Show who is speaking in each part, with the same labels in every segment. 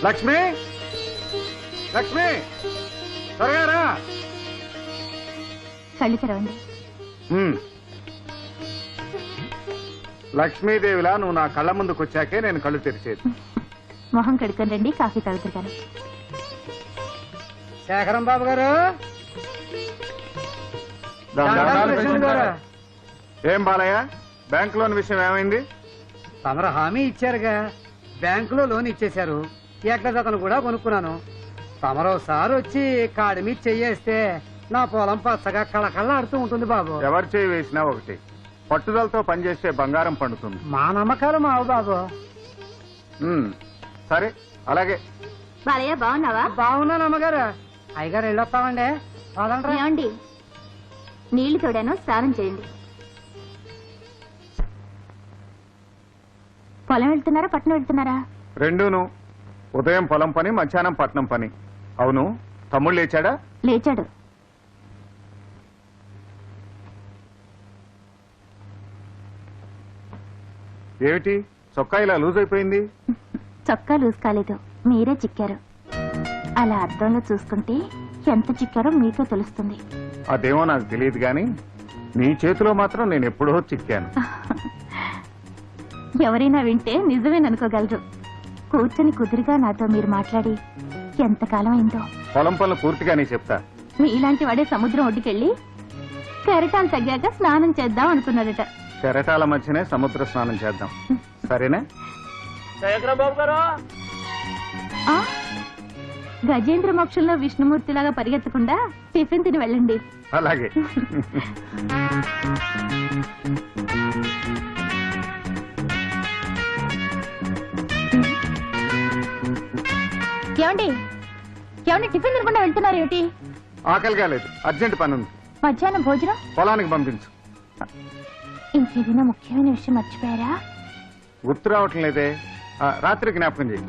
Speaker 1: లక్ష్మి, లక్ష్మి, త్వరగా రా.
Speaker 2: కళ్ళు తెరవండి.
Speaker 1: లక్ష్మీదేవిలా నువ్వు నా కళ్ళ ముందుకు వచ్చాకే నేను కళ్ళు తెరిచేది.
Speaker 2: మొహం కడుక్కొని రండి, కాఫీ తాగుతారు కానీ.
Speaker 3: శేఖరం బాబు గారు,
Speaker 1: ఏం బాలయ్య, బ్యాంక్ లోన్ విషయం ఏమైంది?
Speaker 3: తమరు హామీ ఇచ్చారుగా, బ్యాంకులో లోన్ ఇచ్చేశారు. ఎక్కడతను కూడా కొనుక్కున్నాను. తమరోసారి వచ్చి కాడి మీద చెయ్యేస్తే నా పొలం పచ్చగా కళకళలాడుతూ ఉంటుంది బాబు.
Speaker 1: ఎవరు చేయి వేసినా ఒకటి, పట్టుదలతో పనిచేస్తే బంగారం పండుతుంది.
Speaker 3: మా నమ్మకాలు మావు బాబు.
Speaker 1: సరే అలాగే.
Speaker 2: బాలయ్య బాగున్నావా?
Speaker 3: బాగున్నాను అమ్మగారు. అయ్యగారు వెళ్ళొస్తామండి.
Speaker 2: ఏమండి, నీళ్లు తోడాను, స్నానం చేయండి. పొలం వెళ్తున్నారా పట్నం వెళ్తున్నారా?
Speaker 1: రెండూను. ఉదయం పొలం పని, మధ్యాహ్నం పట్నం పని. అవును, తమ్ముడు లేచాడా?
Speaker 2: లేచాడు.
Speaker 1: ఏమిటి చొక్కా ఇలా లూజ్ అయిపోయింది?
Speaker 2: చొక్కా లూజ్ కాలేదు, మీరే చిక్కారు. అలా అద్దంలో చూసుకుంటే ఎంత చిక్కారో మీకే తెలుస్తుంది.
Speaker 1: అదేమో నాకు తెలియదు గాని నీ చేతిలో మాత్రం నేను ఎప్పుడో చిక్కాను.
Speaker 2: ఎవరైనా వింటే నిజమేననుకోగలరు. కూర్చొని కుదురుగా నాతో మీరు మాట్లాడి ఎంతకాలం అయిందో.
Speaker 1: పొలం పనులు పూర్తిగానే చెప్తా.
Speaker 2: మీలాంటి వాడే సముద్రం ఒడ్డుకెళ్ళి కెరటాలు తగ్గాక స్నానం చేద్దాం అనుకున్నాడట.
Speaker 1: కెరటాల మధ్యనే సముద్ర స్నానం చేద్దాం, సరేనా?
Speaker 2: ఆ, గజేంద్ర మోక్షంలో విష్ణుమూర్తిలాగా పరిగెత్తకుండా టిఫిన్ తిని వెళ్ళండి.
Speaker 1: అలాగే.
Speaker 2: ఏమండి, ఏమండి, టిఫిన్ తినకుండా వెళ్తున్నారు ఏమిటి?
Speaker 1: ఆకలిగా లేదు, అర్జెంట్ పని ఉంది.
Speaker 2: మధ్యాహ్నం భోజనం
Speaker 1: పొలానికి పంపించు.
Speaker 2: ఇంకేదైనా ముఖ్యమైన విషయం మర్చిపోయారా?
Speaker 1: గుర్తు రావటం లేదే. రాత్రి జ్ఞాపకం చేయి.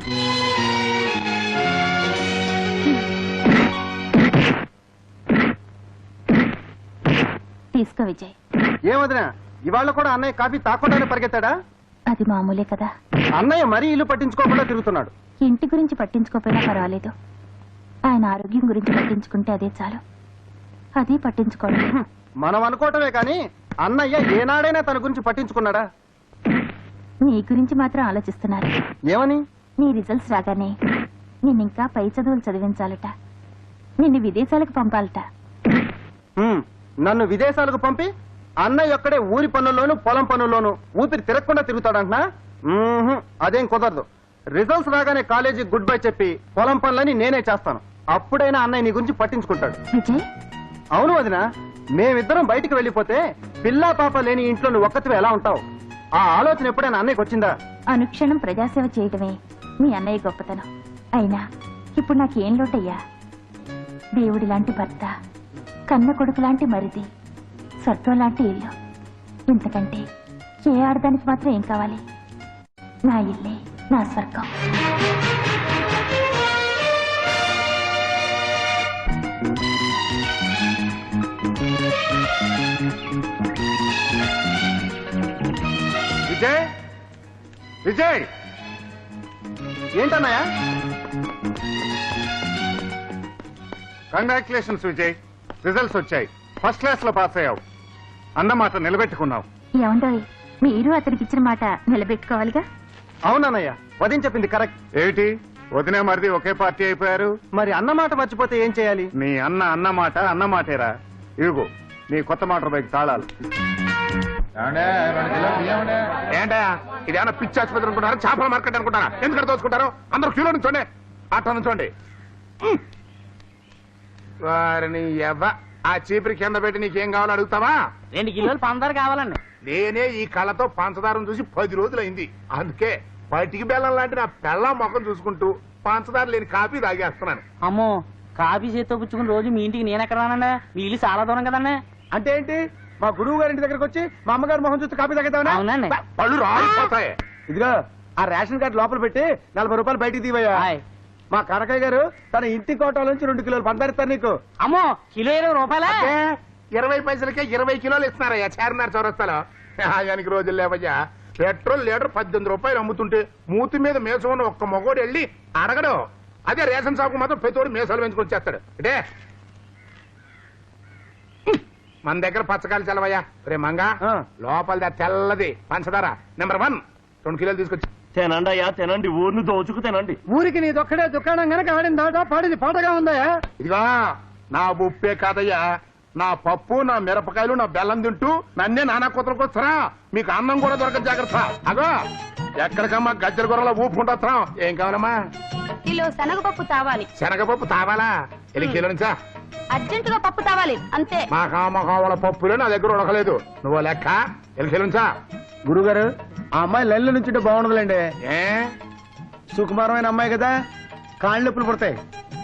Speaker 2: తీసుకో విజయ్.
Speaker 3: ఏమదినా, ఇవాళ కూడా అన్నయ్య కాఫీ తాకుండానే పరిగెత్తాడా?
Speaker 2: అది మామూలే కదా.
Speaker 3: అన్నయ్య మరీ ఇల్లు పట్టించుకోకుండా తిరుగుతున్నాడు.
Speaker 2: ఇంటి గురించి పట్టించుకోపోయినా పర్వాలేదు, ఆయన ఆరోగ్యం గురించి పట్టించుకుంటే అదే చాలు. అది పట్టించుకోండి.
Speaker 3: మనం అనుకోవటమే కానీ అన్నయ్య ఏనాడైనా తన గురించి పట్టించుకున్నాడా?
Speaker 2: నీ గురించి మాత్రం ఆలోచిస్తున్నారు.
Speaker 3: ఏమని?
Speaker 2: నీ రిజల్ట్స్ రాగానే నిన్నింకా పై చదువులు చదివించాలట, నిన్ను విదేశాలకు పంపాలట.
Speaker 3: నన్ను విదేశాలకు పంపి అన్నయ్య ఒక్కడే ఊరి పనుల్లోనూ పొలం పనుల్లోనూ ఊపిరి తిరగకుండా తిరుగుతాడంటున్నా? అదేం కుదరదు. రిజల్ట్స్ రాగానే కాలేజీ గుడ్ బై చెప్పి పొలం పనులని నేనే చేస్తాను. అప్పుడైనా అన్నయ్య నీ గురించి పట్టించుకుంటాడు.
Speaker 2: విజయ్,
Speaker 3: అవును వదినా, మేమిద్దరం బయటికి వెళ్ళిపోతే పిల్లా పాప లేని ఇంట్లో నువ్వు ఒక్కతివి ఎలా ఉంటావు? ఆ ఆలోచన ఎప్పుడైనా అన్నయ్యకి వచ్చిందా?
Speaker 2: అనుక్షణం ప్రజాసేవ చేయటమే మీ అన్నయ్య గొప్పతనం. అయినా ఇప్పుడు నాకేం లోటయ్యా? దేవుడి లాంటి భర్త, కన్న కొడుకు లాంటి మరిది, స్వర్గం లాంటి ఇల్లు. ఇంతకంటే ఏ ఆడదానికి మాత్రం ఏం కావాలి? నా ఇల్లే నా స్వర్గం.
Speaker 1: విజయ్, విజయ్,
Speaker 3: ఏంటన్నయ్య?
Speaker 1: కంగ్రాచులేషన్స్ విజయ్, రిజల్ట్స్ వచ్చాయి. ఫస్ట్ క్లాస్ లో పాస్ అయ్యావు. అన్నమాట నిలబెట్టుకున్నావు.
Speaker 2: ఏమండోయ్, మీరు అతనికి ఇచ్చిన మాట నిలబెట్టుకోవాలిగా.
Speaker 3: అవునన్నయ్య, వదిన చెప్పింది కరెక్ట్.
Speaker 1: ఏమిటి వదినే మరిది ఒకే పార్టీ అయిపోయారు?
Speaker 3: మరి అన్నమాట మర్చిపోతే ఏం చేయాలి?
Speaker 1: నీ అన్నమాట అన్నమాటేరా. ఇదిగో నీ కొత్త మోటార్ బైక్ తాళాలు.
Speaker 4: ఏంటా ఇదేమన్నా పిచ్చి ఆసుపత్రి అనుకుంటారా, చేపల మార్కెట్ అనుకుంటారా? ఎందుకంటే దోచుకుంటారు? అందరూ క్యూలో నుంచోండి, అట్లా నుంచోండి. వారిని ఆ చీపురి కింద పెట్టి నీకేం కావాలో అడుగుతావా?
Speaker 5: 2 కిలోలు పంచదార కావాలండి.
Speaker 4: నేనే ఈ కళ్ళతో పంచదారం చూసి 10 రోజులైంది. అందుకే పటికి బెల్లం లాంటి నా పెళ్ళ ముఖం చూసుకుంటూ పంచదార లేని కాఫీ తాగేస్తున్నాను.
Speaker 5: అమ్మో, కాఫీ చేత్తో పుచ్చుకుని రోజు మీ ఇంటికి నేను ఎక్కడ రానండి? మీ ఇల్లు చాలా దూరం కదండి.
Speaker 3: అంటే ఏంటి? మా గురువు గారి ఇంటి దగ్గరకు వచ్చి మా అమ్మగారు మొహం చూస్తే కాపీ తగ్గుతావా?
Speaker 5: అవునండి.
Speaker 4: పళ్ళు రాలిపోతాయి.
Speaker 3: ఇదిగో ఆ రేషన్ కార్డు లోపల పెట్టి 40 రూపాయలు బయటికి తీవయ్యా.
Speaker 5: హాయ్.
Speaker 3: మా కనకయ్య గారు తన ఇంటి కోటల నుంచి 2 కిలోలు పందారిస్తారు నీకు.
Speaker 5: అమ్మో, కిలో 20 రూపాయలా?
Speaker 4: 20 పైసలకే 20 కిలోలు ఇస్తున్నారయ్యా చార్మినార్ చౌరస్తాలో. ఆయనకి రోజులు లేవయ్యా. పెట్రోల్ లీటర్ 18 రూపాయలు అమ్ముతుంటే మూతి మీద మేసం ఉన్న ఒక్క మగోడు వెళ్ళి అడగడు. అదే రేషన్ షాపు మాత్రం ప్రతివాడు మేసాలు పెంచుకొని చేస్తాడు. అంటే మన దగ్గర పచ్చకాయలు చల్లవయ్యా. రే మంగా లోపల తెల్లది పంచదార నెంబర్ 1 2 కిలోలు తీసుకొచ్చి
Speaker 6: తినండి అయ్యా తినండి, ఊరిని దోచుకు తినండి.
Speaker 3: ఊరికి నీదొక్కడే దుకాణం గనక ఆడిన దాట పాడిది పాటగా ఉందయా.
Speaker 4: ఇదిగా నా ఉప్పే కాదయ్యా, నా పప్పు, నా మిరపకాయలు, నా బెల్లం తింటూ నన్నే నానా కూతురికి వస్తారా? మీకు అన్నం కూడా దొరకదు, జాగ్రత్త. అగో ఎక్కడికమ్మా గజ్జల కూరలో ఊపుకుంటా. ఏం కావాలమ్మా?
Speaker 2: కిలో శనగపప్పు తావాలి.
Speaker 4: శనగపప్పు తావాలా? ఎన్ని కిలో నుంచా?
Speaker 2: అర్జెంటుగా పప్పు తావాలి అంతే.
Speaker 4: మా కామకావల పప్పులే నా దగ్గర ఉడకలేదు. నువ్వు లెక్క ఎన్ని కిలో నుంచా?
Speaker 3: గురుగారు ఆ అమ్మాయి లెల్లు నుంచి బాగుండదులేండి.
Speaker 4: ఏ
Speaker 3: సుకుమారమైన అమ్మాయి కదా, కాళ్ళు నొప్పులు పుడతాయి.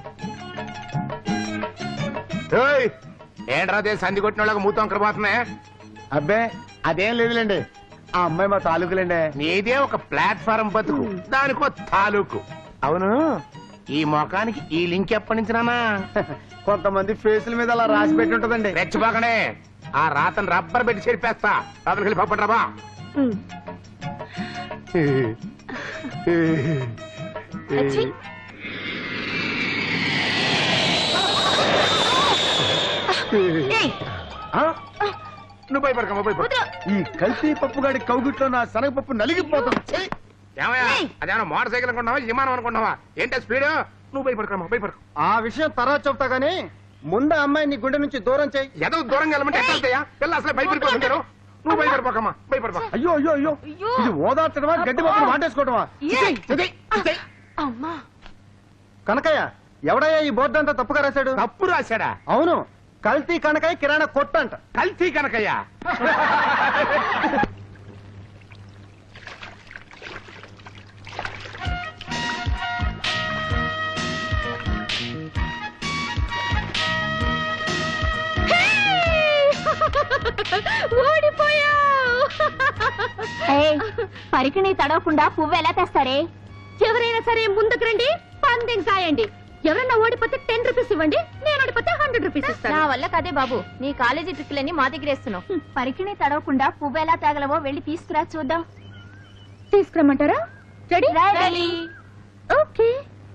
Speaker 4: ఏయ్, ఏంట్రా అదే సంధి కొట్టిన వాళ్ళకి మూతం కరబోతున్నాయి.
Speaker 3: అబ్బే అదేం లేదులేండి, ఆ అమ్మాయి మా తాలూకులేండి.
Speaker 4: నీదే ఒక ప్లాట్ఫారం బతుకు, దానికో తాలూకు. అవును, ఈ మొఖానికి ఈ లింక్ ఎప్పటి నుంచి నానా?
Speaker 3: కొంతమంది ఫేసుల మీద అలా రాసి పెట్టి ఉంటదండి.
Speaker 4: రెచ్చిపోకనే, ఆ రాతను రబ్బర్ పెట్టి చెరిపేస్తా. రాత్రికి వెళ్ళి పప్పండి రాబా.
Speaker 2: అచ్చి. ఏయ్,
Speaker 3: ఆ?
Speaker 4: నువ్వు భయపడకమ్మా, భయపడ.
Speaker 2: వదరు.
Speaker 3: ఈ కల్తీ పప్పుగాడి కౌగిట్లో నా శనగపప్పు నలిగిపోతుంది. ఛీ!
Speaker 4: ఏమయ్యా,
Speaker 2: ఏయ్.
Speaker 4: అదేమన్నా మోటార్ సైకిల్ అనుకుంటున్నావా, విమానం అనుకుంటున్నావా? ఏంటో స్పీడ్? నువ్వు భయపడకమ్మా, భయపడకు.
Speaker 3: ఆ విషయం తర్వాత చెప్తా గానీ ముందు ఆ అమ్మాయి నీ గుండె నుంచి దూరం చేయి.
Speaker 4: ఏదో దూరంగా వెళ్ళమంటే ఎట్లా వెళ్తాయా? పిల్ల అసలే భయపడిపోతుంటారు. నువ్వు భయపడిపోకమ్మా, భయపడిపో.
Speaker 3: అయ్యో అయ్యో అయ్యో,
Speaker 2: అయ్యో.
Speaker 3: ఇది ఓదార్చడమా గడ్డి పప్పులు వాటేసుకోవడమా?
Speaker 2: ఏయ్.
Speaker 4: ఇది, ఇది.
Speaker 2: అమ్మా.
Speaker 3: కనకయ్య ఎవడయ్యా ఈ బోర్డు అంతా తప్పుగా రాశాడు?
Speaker 4: తప్పు రాశాడా?
Speaker 3: అవును, కల్తీ కనకయ్య కిరాణా కొట్టు అంట.
Speaker 4: కల్తీ కనకయ్యా?
Speaker 2: పరికిణి తడవకుండా పువ్వు ఎలా తెస్తారే? ఎవరైనా సరే ముందుకు రండి, పందెం సాయండి. ఎవరైనా ఓడిపోతే 10 రూపీస్ ఇవ్వండి, నేను ఓడిపోతే 100 రూపీస్ ఇస్తాను. నా వల్ల కదే బాబు, నీ కాలేజీ ట్రిక్లన్నీ మా దగ్గర వేస్తున్నావు. పరికిణి తడవకుండా పువ్వు ఎలా తేగలవో వెళ్ళి తీసుకురా చూద్దాం. తీసుకురమ్మంటారా? రెడీ? ఓకే.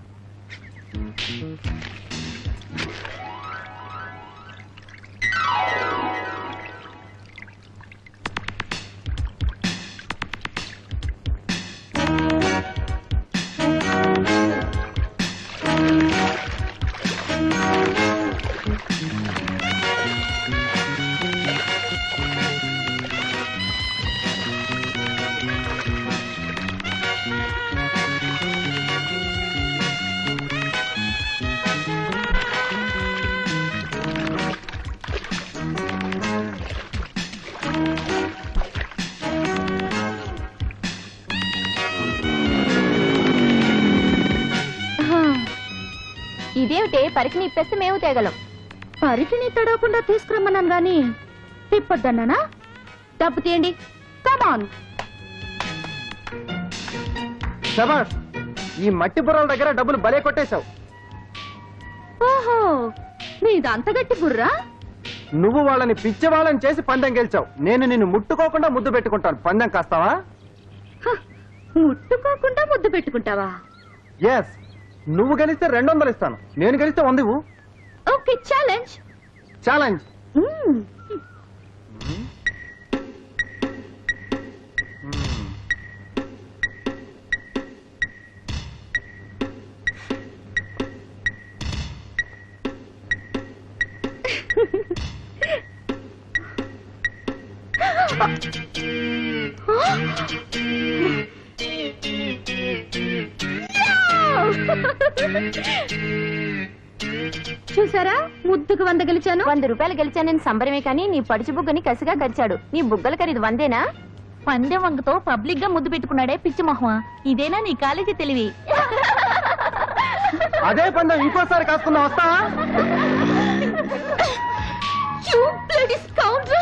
Speaker 2: ఇదేమిటే, పరికిణి ఇప్పేస్తే మేము తేగలం. పరికిణి తడవకుండా తీసుకురమ్మన్నాను గాని తిప్పొద్దన్నానా? డబ్బు తీయండి, కమాన్.
Speaker 3: శబాష్, ఈ మట్టి బుర్రల దగ్గర డబ్బులు భలే కొట్టేశావు.
Speaker 2: ఓహో, మీదంత గట్టి బుర్రా.
Speaker 3: నువ్వు వాళ్ళని పిచ్చి వాళ్ళని చేసి పందెం గెలిచావు. నేను నిన్ను ముట్టుకోకుండా ముద్దు పెట్టుకుంటాను. పందెం కాస్తావా?
Speaker 2: ముట్టుకోకుండా ముద్దు పెట్టుకుంటావా?
Speaker 3: ఎస్, నువ్వు గెలిస్తే 200 ఇస్తాను, నేను గెలిస్తే 100 ఇవ్వు.
Speaker 2: Okay, challenge.
Speaker 3: ఛాలెంజ్.
Speaker 2: చూసారా, ముద్దుకు 100 గెలిచాను. 100 రూపాయలు గెలిచానని సంబరమే కానీ నీ పడుచు బుగ్గని కసిగా గరిచాడు. నీ బుగ్గల ఖరీదు 100ఏనా? పందెం వంగతో పబ్లిక్ గా ముద్దు పెట్టుకున్నాడే పిచ్చి మొహమా. ఇదేనా నీ కాలేజీ తెలివి?
Speaker 3: అదే పందెం ఇంకోసారి కాసుకున్నా వస్తావా?
Speaker 2: You bloody scoundrel!